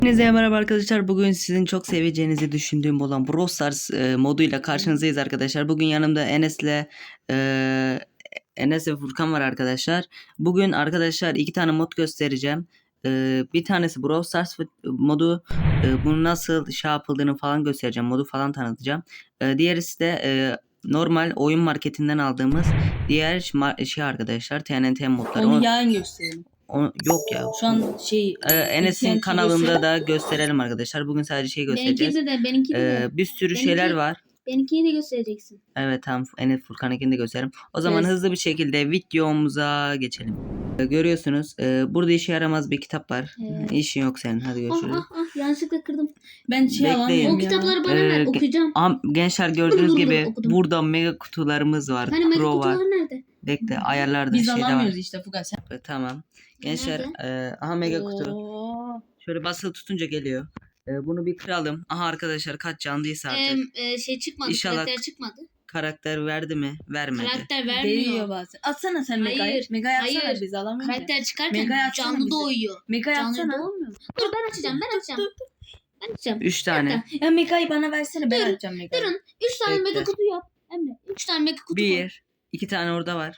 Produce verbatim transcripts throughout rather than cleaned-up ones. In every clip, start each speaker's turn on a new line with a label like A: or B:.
A: Hepinize merhaba arkadaşlar. Bugün sizin çok seveceğinizi düşündüğüm olan Brawl Stars e, moduyla karşınızdayız arkadaşlar. Bugün yanımda Enes'le e, Enes ve Furkan var arkadaşlar. Bugün arkadaşlar iki tane mod göstereceğim. E, bir tanesi Brawl Stars modu. E, bunu nasıl şey yapıldığını falan göstereceğim. Modu falan tanıtacağım. E, diğerisi de e, normal oyun marketinden aldığımız diğer şey arkadaşlar. T N T modları.
B: Onu
A: O-
B: yarın gösterelim.
A: o- yok ya.
B: Şu an şey
A: Ee, Enes'in
B: Enes'in
A: kanalında da gösterelim arkadaşlar. Bugün sadece şey göstereceğiz.
C: Benimkini de benimkini de.
A: Ee, bir sürü
C: Benimki-
A: şeyler var.
C: Benimkini de göstereceksin.
A: Evet tamam, Enes Furkan'ınkini de gösterelim. O zaman
B: Evet.
A: hızlı bir şekilde videomuza geçelim. Ee, görüyorsunuz e, burada işe yaramaz bir kitap var.
C: Evet.
A: İşin yok senin, hadi
C: Ah
A: görüşürüz.
C: ah ah yanlışlıkla kırdım.
B: ben şey
A: Bekleyin.
B: alamıyorum
C: O
B: ya.
C: kitapları bana
A: Ee,
C: ver
A: ge-
C: okuyacağım.
A: Aha, gençler gördüğünüz gibi
C: Okudum.
A: burada mega kutularımız var.
C: Hani mega
A: Pro
C: kutular
A: var.
C: nerede?
A: Bekle, ayarlarda
B: Biz
A: şeyde
B: alamıyoruz
A: var.
B: işte Fuga sen.
A: Evet, tamam. Gençler
C: Nerede?
A: e, aha mega kutu.
B: Oo.
A: Şöyle basılı tutunca geliyor. E, bunu bir kıralım. Aha arkadaşlar kaç candıysa artık.
C: Ee, e, şey çıkmadı.
A: İnşallah-
C: Karakter çıkmadı.
A: Karakter verdi mi? Vermedi.
C: Karakter
B: Veriyor
C: vermiyor.
B: bazen. Atsana sen Mega'yı.
C: Hayır,
B: Mega'yı atsana
C: hayır.
B: biz alamıyoruz. ya.
C: Karakter çıkarken
B: Mega yapsana
C: canlı
B: bize.
C: doğuyor.
B: Mega'yı
C: Canlı
B: atsana.
C: doğmuyor. Dur ben açacağım ben açacağım. Ben açacağım.
A: Üç tane.
B: Ya Mega'yı bana versene ben
C: Dur,
B: atacağım Mega'yı.
C: Durun. Üç tane
A: Bekle.
C: mega kutu yap. Emre. Üç tane mega kutu koy.
A: Bir. iki tane orada var.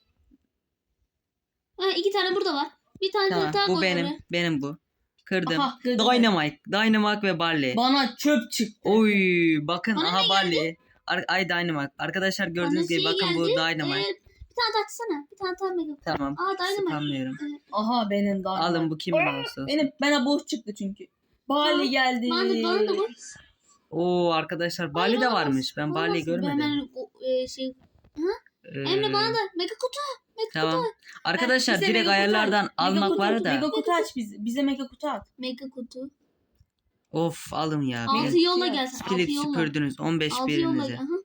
C: Ha, iki tane burada var. Bir tane
A: Tamam.
C: daha
A: Bu
C: koy
A: benim.
C: oraya.
A: Benim bu. Kırdım.
B: Aha, kırdım.
A: Dynamite. Dynamite ve Barley.
B: Bana çöp çıktı.
A: Oy. Bakın
C: Bana
A: aha
C: ne
A: Barley. Ar- Ay Dynamite. Arkadaşlar gördüğünüz
C: Bana
A: gibi
C: şey
A: bakın bu
C: geldi.
A: Dynamite.
C: Ee, bir tane daha açsana. Bir tane daha mega.
A: Tamam.
C: Aa Dynamite.
A: Spamlıyorum.
B: Aha benim daha.
A: Alın bu kim olsun.
B: Benim bana boş çıktı çünkü. Bali geldi.
C: Bana da, bana da bu.
A: Oo arkadaşlar Barley de
C: Bana
A: varmış. Ben
C: bas,
A: Barley'i
C: bana bas.
A: görmedim.
C: Hemen o, e, şey.
A: Ee,
C: Emre bana da mega kutu. Mega
A: Tamam.
C: kutu.
A: Arkadaşlar
B: Bize
A: direkt
B: mega kutu
A: ayarlardan
B: aç.
A: almak
B: Mega kutu
A: var
B: aç,
A: da.
B: Mega kutu aç bize. Bize mega kutu at.
C: Mega kutu.
A: Of alın ya.
C: Altı
A: Bir
C: yolla
B: ya.
C: gelsin. Altı
A: Split
C: yolla.
A: süpürdünüz. on beş
C: Altı yolla.
A: birinize.
C: Aha.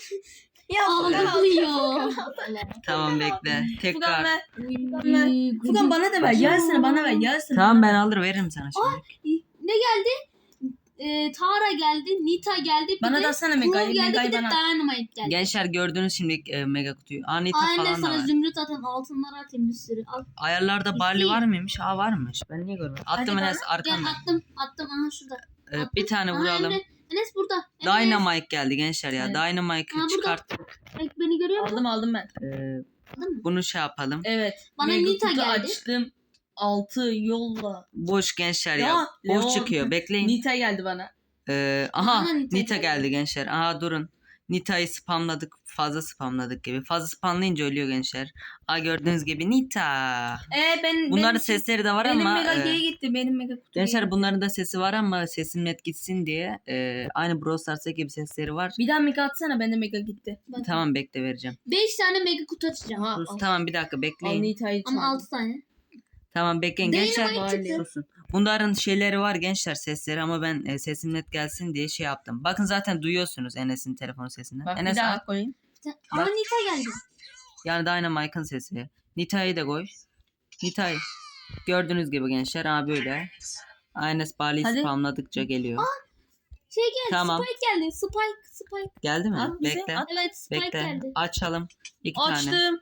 B: Ya
C: Ağlıyor.
A: Tamam bekle.
B: Fugan
A: Tekrar.
B: ver. Fugan ver. Fugan bana da ver. Gelsene bana ver. Gelsene.
A: Tamam ben alır veririm sana şimdi.
C: Ne geldi? Ee, Tara geldi. Nita geldi. Bir
B: Bana
C: de
B: da atsana
C: Crow
B: Mega'yı.
C: geldi.
B: Mega'yı
C: Bir de
B: bana.
C: Dynamite geldi.
A: Gençler gördünüz şimdi e, mega kutuyu. Anita
C: Anne
A: falan da
C: sana
A: var.
C: zümrüt atayım. Altınlar atayım bir sürü. Al.
A: Ayarlarda Barley
C: İki.
A: var mıymış? Aa varmış. Ben niye görmedim? Attım
B: Hadi
A: Enes
C: Gel
A: arkamda.
C: attım. Attım. Aha şurada.
A: Ee,
C: Attım.
A: bir tane
C: Aha,
A: vuralım.
C: Emre. Enes burada. Enes.
A: Dynamite geldi gençler ya.
B: Evet.
C: Ha,
A: Dynamite'ı
C: burada.
A: çıkarttık.
C: Bak, beni görüyor musun?
B: Aldım aldım ben.
A: Ee,
C: Aldın mı?
A: bunu şey yapalım.
B: Evet.
C: Bana
B: Mega
C: Nita
B: kutu
C: geldi.
B: açtım. Altı yolla.
A: Boş gençler ya.
B: Ya,
A: Boş
B: Leon.
A: çıkıyor. Bekleyin.
B: Nita geldi bana.
A: Ee, aha
C: Aha, Nita
A: Nita
C: geldi.
A: geldi gençler. Aha durun. Nita'yı spamladık. Fazla spamladık gibi. Fazla spamlayınca ölüyor gençler. Aa gördüğünüz gibi Nita.
B: Ee ben
A: Bunların
B: benim,
A: sesleri de var
B: benim
A: ama.
B: mega
A: e,
B: G'ye gitti. Benim mega kutu.
A: Gençler bunların da sesi var ama sesin net gitsin diye e, aynı Brawl Stars'taki gibi sesleri var.
B: Bir daha mega atsana. Bende mega gitti.
C: Bak.
A: Tamam bekle vereceğim.
C: Beş tane mega kutu açacağım.
B: Ha,
A: Sus,
B: al.
A: tamam bir dakika
B: Al
A: bekleyin.
B: Nita'yı
C: Ama
B: çağır.
C: altı tane.
A: Tamam bekleyin
C: Dynamite
A: gençler.
C: çıktı.
A: Susun. Bunların şeyleri var gençler sesleri ama ben e, sesim net gelsin diye şey yaptım. Bakın zaten duyuyorsunuz Enes'in telefon sesinden.
B: Bak
A: Enes
B: bir daha
A: at.
B: koyayım.
C: Ama
A: Bak.
C: Nita geldi.
A: Yani Dynamite'ın sesi. Nita'yı da koy. Nita'yı. Gördüğünüz gibi gençler ha böyle. Enes Barley'i
B: Hadi.
A: spamladıkça geliyor.
C: Şey geldi.
A: Tamam.
C: Spike geldi. Spike. Spike.
A: Geldi mi?
B: At bize,
A: Bekle.
B: at.
C: Evet Spike
A: Bekle.
C: geldi.
A: Açalım. İki tane.
B: Açtım.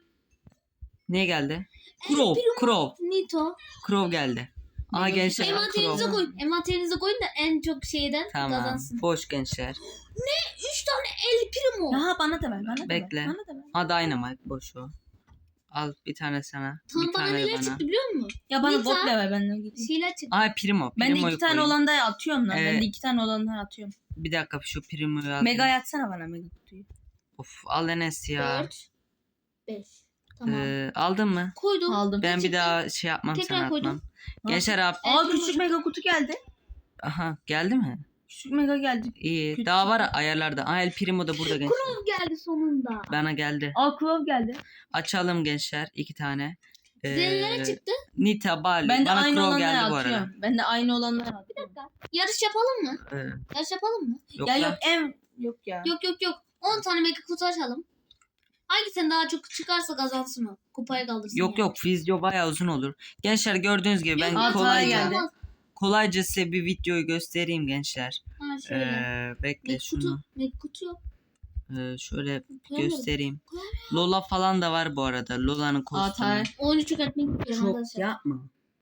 A: Ne geldi?
C: El
A: Crow.
C: Primo.
A: Crow.
C: Nito.
A: Crow geldi. Aha
B: Mega
A: gençler
B: kutu.
C: Envanterinize
A: Crow.
C: koyun. Envanterinize koyun da en çok şeyden
A: Tamam.
C: kazansın.
A: Boş gençler.
C: Üç tane El Primo.
B: Ya bana da ver. Bana da
A: Bekle.
B: ver. Bana da ver.
A: Ha Dynamite boş o. Al bir tane sana.
C: Tam
A: bir
C: bana
A: tane
C: neler
A: bana.
C: çıktı biliyor musun?
B: Ya bana
C: Nita.
B: bot da ver. Ben de gideyim.
C: Şeyler çıktı.
A: Aha Primo.
B: Ben de
A: Primo'yu
B: iki tane
A: koyayım.
B: olan da atıyorum lan. Ben
A: Evet.
B: de iki tane olandan atıyorum.
A: Bir dakika şu Primo'yu al.
B: Mega yatsana bana mega kutuyu.
A: Of al Enes ya.
C: Dört. Beş. Tamam.
A: Ee, aldın mı?
C: Koydum.
B: Aldım.
A: Ben bir
C: çıktı?
A: daha şey yapmam
C: Tekrar
A: sana
C: koydum.
A: atmam. Gençler abi.
B: Aa küçük mega kutu geldi.
A: Aha geldi mi?
B: Küçük mega geldi.
A: İyi.
B: Küçük.
A: Daha var ayarlarda. Aha El Primo da burada gençler.
C: Crow geldi sonunda.
A: Bana geldi.
B: Aa Crow geldi.
A: Açalım gençler iki tane. Ee,
C: Zenlere çıktı.
A: Nita, Barley.
B: Ben de
A: Bana
B: aynı
A: Crow
B: olanları
A: geldi bu arada.
B: atıyorum. Ben de aynı olanları
C: Bir
B: atıyorum.
C: dakika. Yarış yapalım mı?
A: Ee,
C: Yarış yapalım mı?
A: yok
B: Ya
A: lan.
B: yok en yok ya.
C: Yok yok yok. on tane mega kutu açalım. Hangisinin daha çok çıkarsa kazansın o. Kupaya kaldırsın.
A: Yok
C: yani.
A: yok video bayağı uzun olur. Gençler gördüğünüz gibi ben
C: Yok,
B: Aa,
A: kolayca
B: geldi.
A: kolayca size bir videoyu göstereyim gençler.
C: Ha şöyle.
A: Ee, bekle
C: Mega
A: şunu.
C: kutu. Mega kutu yok.
A: Ee, şöyle
C: Koyamadım.
A: göstereyim.
C: Koyamıyorum.
A: Lola falan da var bu arada. Lola'nın kostümü.
B: Atay.
C: Oyunu çökertmek istiyorum
A: Çok
C: arkadaşlar.
A: yapma.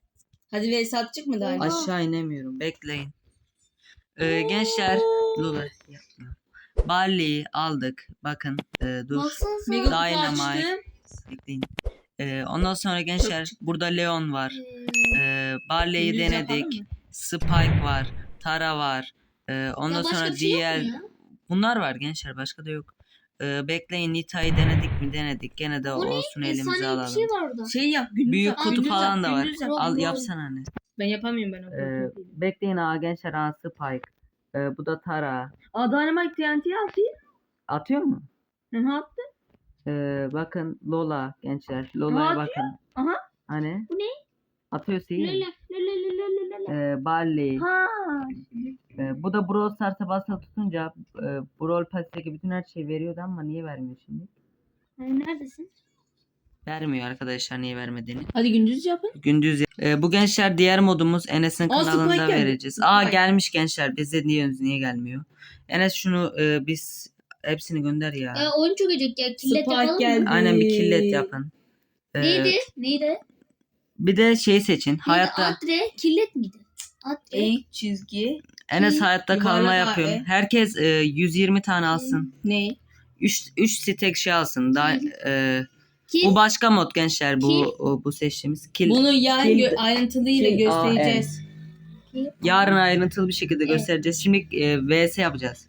B: Hadi Veys atacak mı daha?
C: Oha.
A: Aşağı inemiyorum. Bekleyin. Ee, gençler. Lula yapma. Barley'i aldık. Bakın. e, dur.
C: Baksana sen.
B: Mega kutu
A: Dynamite.
B: açtım.
A: Bekleyin. Ee, ondan sonra gençler burada Leon var.
C: Ee,
A: Ee, Barley'i
B: Gündüz yapalım
A: denedik.
B: mı?
A: Spike var. Tara var. Ee, ondan
C: ya başka
A: sonra
C: bir şey yok mu
A: diğer
C: ya?
A: bunlar var gençler. Başka da yok. Ee, bekleyin, Nita'yı denedik mi denedik. Gene de
C: Bu ne?
A: olsun elimize
C: Efsane bir
A: alalım.
C: şey var orada.
B: Şey yap. Gündüz
A: Büyük
B: yap.
A: kutu
B: Gündüz
A: falan
B: yap,
A: da var.
B: gündüz yap.
A: Al
C: Roblox.
A: yapsana anne.
B: Ben yapamıyorum ben. o
A: Ee,
B: kadar.
A: bekleyin ha gençler, ha Spike. Ee, bu da Tara.
B: Aa Dynamite T N T atayım.
A: Atıyor mu?
B: Hı hı attı.
A: Ee, bakın Lola gençler. Lola'ya
B: atıyor.
A: bakın.
B: Aha.
A: Hani?
C: Bu ne?
A: Atıyor
C: Lele
A: değil.
C: lele lele lele lele.
A: Ee, Barley.
B: Ha.
A: Ee, bu da Brawl Stars'a basılı tutunca e, Brawl Pass'teki bütün her şeyi veriyordu ama niye vermiyor şimdi?
C: Ee, Neredesin?
A: Vermiyor arkadaşlar, niye vermediğini.
B: Hadi gündüz yapın.
A: Gündüz. Ee, bu gençler diğer modumuz Enes'in
B: Aa,
A: kanalında
B: Spike geldi.
A: vereceğiz.
B: Spike.
A: Aa gelmiş gençler. Bize niye niye gelmiyor? Enes şunu e, biz hepsini gönder ya.
C: Ee, oyun çökecek ya. Killet
B: Spike
C: yapalım
B: geldi.
C: mı?
A: Aynen, bir killet yapın. Ee,
C: Neydi? Neydi?
A: Bir de şey seçin.
C: Neydi?
A: Hayatta
C: Atre. Killet miydi? Atre.
B: E çizgi.
A: Enes hayatta
B: yuvarlak
A: kalma
B: A,
A: yapıyorum.
B: E.
A: Herkes e, yüz yirmi tane alsın.
B: Ne?
A: üç üç stack şey alsın. Daha e,
C: Kil.
A: bu başka mod gençler, bu
C: Kill.
A: o, bu seçtiğimiz kill.
B: Bunu yarın
A: Kill-
B: gö- ayrıntılıyla
A: Kill- Aa,
B: göstereceğiz.
C: Kil.
A: Yarın ayrıntılı bir şekilde
C: Evet.
A: göstereceğiz. Şimdi e, V S yapacağız.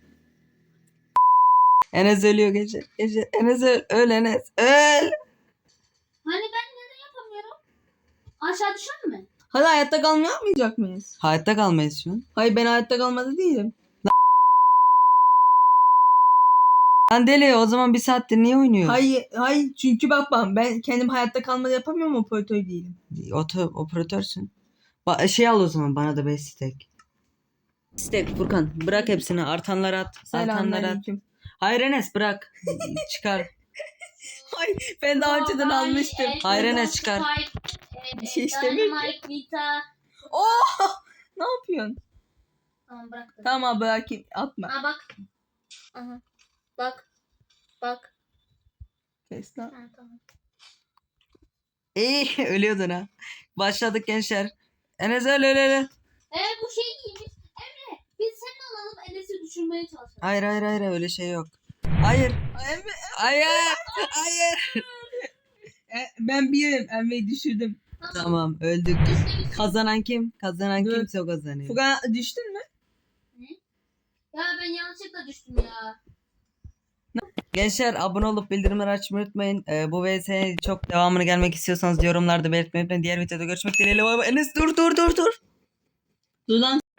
A: Enes ölüyor gençler. Gençler, Enes öl, öl Enes. Öl.
C: Hani ben neden yapamıyorum? Aşağı düşer mi?
B: Hadi hayatta kalma yapmayacak mıyız?
A: Hayatta kalmayız şu an.
B: Hayır ben hayatta kalmadı değilim.
A: Lan deli, o zaman bir saattir niye oynuyor?
B: Hayır, hayır çünkü bak bak ben kendim hayatta kalmadı yapamıyorum, operatör değilim.
A: Oto, operatörsün. Ba- şey al o zaman, bana da beş stack. Stack Furkan, bırak hepsini. Artanları at. Artanları at.
B: Selamünaleyküm.
A: Hayır Enes, bırak. Çıkar.
B: Hayır ben daha önceden
C: Baba,
B: almıştım.
C: el-
A: Hayır,
C: el-
A: Enes, çıkar.
C: Spike, e,
B: Bir şey
C: e,
B: istemiyor ki.
C: Dynamite, Vita.
B: Oh! Ne yapıyorsun?
C: Tamam bıraktım.
B: Tamam bırakayım atma.
C: Ha bak. Aha. Bak. Bak.
B: Kes lan.
C: Ha, tamam.
A: İyi, ölüyordun ha. Başladık gençler. Enes öl öl öl.
C: Ee bu şey giymiş. Emre biz seninle alalım Enes'i düşürmeye çalışalım.
A: Hayır hayır hayır, öyle şey yok. Hayır.
B: Emre,
A: Hayır. Hayır.
B: e, ben birim. Emre'yi düşürdüm.
A: Tamam, öldük.
C: İşte biz-
A: Kazanan kim? Kazanan
B: Dur.
A: kimse o kazanıyor.
B: Furkan düştün mü?
C: Ya ben yanlışlıkla düştüm ya.
A: Gençler, abone olup bildirimleri açmayı unutmayın. Ee, bu V S'nin çok devamını gelmek istiyorsanız yorumlarda belirtmeyi unutmayın. Diğer videoda görüşmek dileğiyle. Enes dur dur dur dur.
B: Dur lan.